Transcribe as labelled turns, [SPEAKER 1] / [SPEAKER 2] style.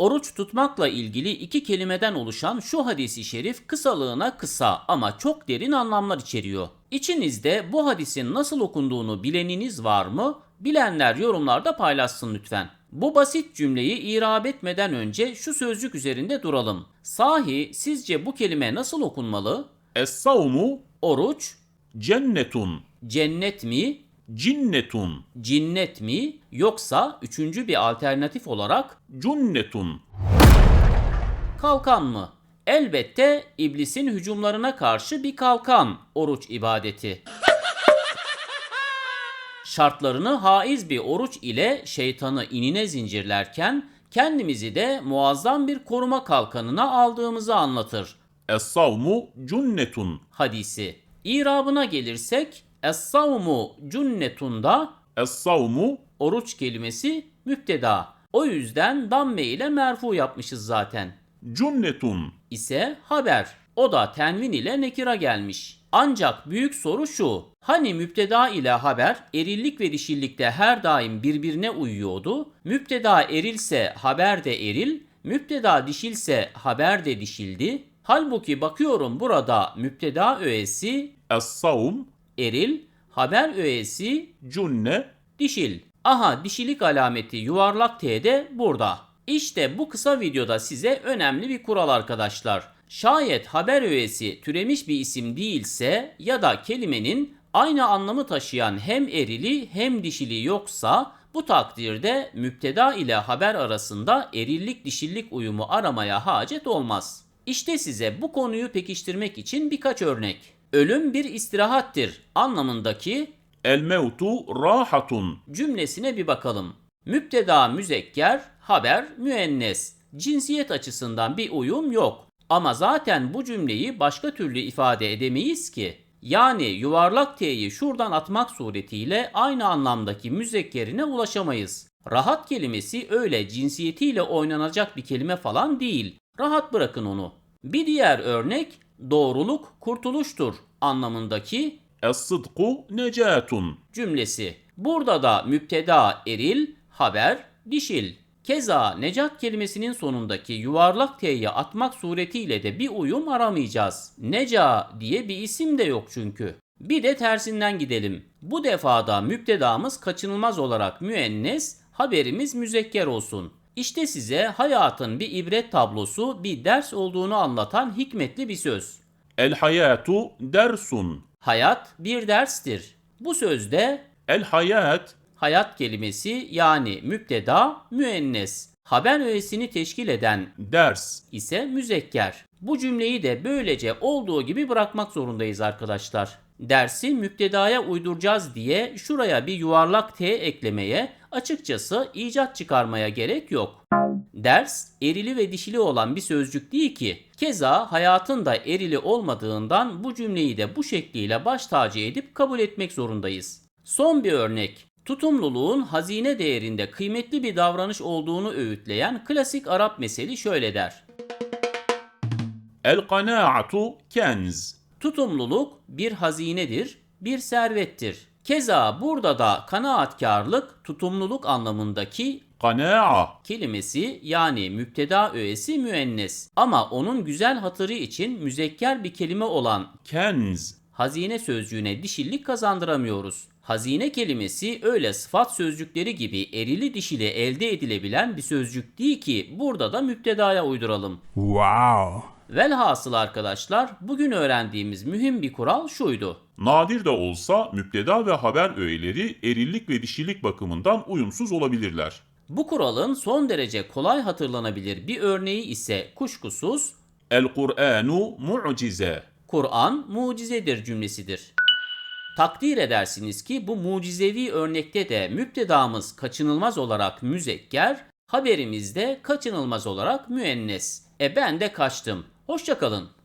[SPEAKER 1] Oruç tutmakla ilgili iki kelimeden oluşan şu hadisi şerif kısalığına kısa ama çok derin anlamlar içeriyor. İçinizde bu hadisin nasıl okunduğunu bileniniz var mı? Bilenler yorumlarda paylaşsın lütfen. Bu basit cümleyi irab etmeden önce şu sözcük üzerinde duralım. Sahi sizce bu kelime nasıl okunmalı?
[SPEAKER 2] Es-savmu
[SPEAKER 1] Oruç,
[SPEAKER 2] cennetun,
[SPEAKER 1] cennet mi,
[SPEAKER 2] cinnetun,
[SPEAKER 1] cinnet mi yoksa üçüncü bir alternatif olarak
[SPEAKER 2] cunnetun.
[SPEAKER 1] kalkan mı? Elbette iblisin hücumlarına karşı bir kalkan oruç ibadeti. Şartlarını haiz bir oruç ile şeytanı inine zincirlerken kendimizi de muazzam bir koruma kalkanına aldığımızı anlatır
[SPEAKER 2] Es-savmu cunnetun,
[SPEAKER 1] hadisi. İrabına gelirsek Es-savmu cunnetunda
[SPEAKER 2] es-savmu
[SPEAKER 1] oruç kelimesi müpteda. O yüzden damme ile merfu yapmışız zaten.
[SPEAKER 2] cunnetun.
[SPEAKER 1] İse haber. O da tenvin ile nekira gelmiş. Ancak büyük soru şu. Hani müpteda ile haber erillik ve dişillikte her daim birbirine uyuyordu? Müpteda erilse haber de eril, müpteda dişilse haber de dişildi. Halbuki bakıyorum burada müpteda öğesi
[SPEAKER 2] Es-savm
[SPEAKER 1] eril, haber öğesi
[SPEAKER 2] cunne,
[SPEAKER 1] dişil. Aha dişilik alameti yuvarlak T de burada. İşte bu kısa videoda size önemli bir kural arkadaşlar. Şayet haber öğesi türemiş bir isim değilse ya da kelimenin aynı anlamı taşıyan hem erili hem dişili yoksa bu takdirde müpteda ile haber arasında erillik dişillik uyumu aramaya hacet olmaz. İşte size bu konuyu pekiştirmek için birkaç örnek. Ölüm bir istirahattir anlamındaki
[SPEAKER 2] el-mevtu rahatun,
[SPEAKER 1] cümlesine bir bakalım. Müpteda müzekker, haber müennes. Cinsiyet açısından bir uyum yok. Ama zaten bu cümleyi başka türlü ifade edemeyiz ki. Yani yuvarlak T'yi şuradan atmak suretiyle aynı anlamdaki müzekkerine ulaşamayız. Rahat kelimesi öyle cinsiyetiyle oynanacak bir kelime falan değil. Rahat bırakın onu. Bir diğer örnek doğruluk kurtuluştur anlamındaki
[SPEAKER 2] es-sıdku necatun,
[SPEAKER 1] cümlesi. Burada da müpteda eril, haber dişil. Keza necat kelimesinin sonundaki yuvarlak T'yi atmak suretiyle de bir uyum aramayacağız. Neca diye bir isim de yok çünkü. Bir de tersinden gidelim. Bu defada müptedamız kaçınılmaz olarak müennes, haberimiz müzekker olsun. İşte size hayatın bir ibret tablosu, bir ders olduğunu anlatan hikmetli bir söz.
[SPEAKER 2] el-hayatu dersun,
[SPEAKER 1] Hayat bir derstir. Bu sözde
[SPEAKER 2] el-hayat
[SPEAKER 1] hayat kelimesi yani müpteda müennes. Haber öğesini teşkil eden
[SPEAKER 2] ders,
[SPEAKER 1] ise müzekker. Bu cümleyi de böylece olduğu gibi bırakmak zorundayız arkadaşlar. Dersi müptedaya uyduracağız diye şuraya bir yuvarlak T eklemeye, açıkçası icat çıkarmaya gerek yok. Ders erili ve dişili olan bir sözcük değil ki. Keza hayatın da erili olmadığından bu cümleyi de bu şekliyle baş tacı edip kabul etmek zorundayız. Son bir örnek. Tutumluluğun hazine değerinde kıymetli bir davranış olduğunu öğütleyen klasik Arap meseli şöyle der.
[SPEAKER 2] el-kanaatu kenz,
[SPEAKER 1] Tutumluluk bir hazinedir, bir servettir. Keza burada da kanaatkarlık tutumluluk anlamındaki
[SPEAKER 2] kanaa,
[SPEAKER 1] kelimesi yani müpteda öğesi müennes. Ama onun güzel hatırı için müzekker bir kelime olan
[SPEAKER 2] kenz,
[SPEAKER 1] hazine sözcüğüne dişillik kazandıramıyoruz. Hazine kelimesi öyle sıfat sözcükleri gibi erili dişili elde edilebilen bir sözcük değil ki burada da müptedaya uyduralım.
[SPEAKER 3] Wow.
[SPEAKER 1] Velhasıl arkadaşlar bugün öğrendiğimiz mühim bir kural şuydu.
[SPEAKER 2] nadir de olsa müpteda ve haber öğeleri erillik ve dişilik bakımından uyumsuz olabilirler.
[SPEAKER 1] Bu kuralın son derece kolay hatırlanabilir bir örneği ise kuşkusuz
[SPEAKER 2] El-Kur'anu mu'cize,
[SPEAKER 1] Kur'an mucizedir cümlesidir. Takdir edersiniz ki bu mucizevi örnekte de müptedamız kaçınılmaz olarak müzekker, haberimiz de kaçınılmaz olarak müennes. Ben de kaçtım. Hoşça kalın.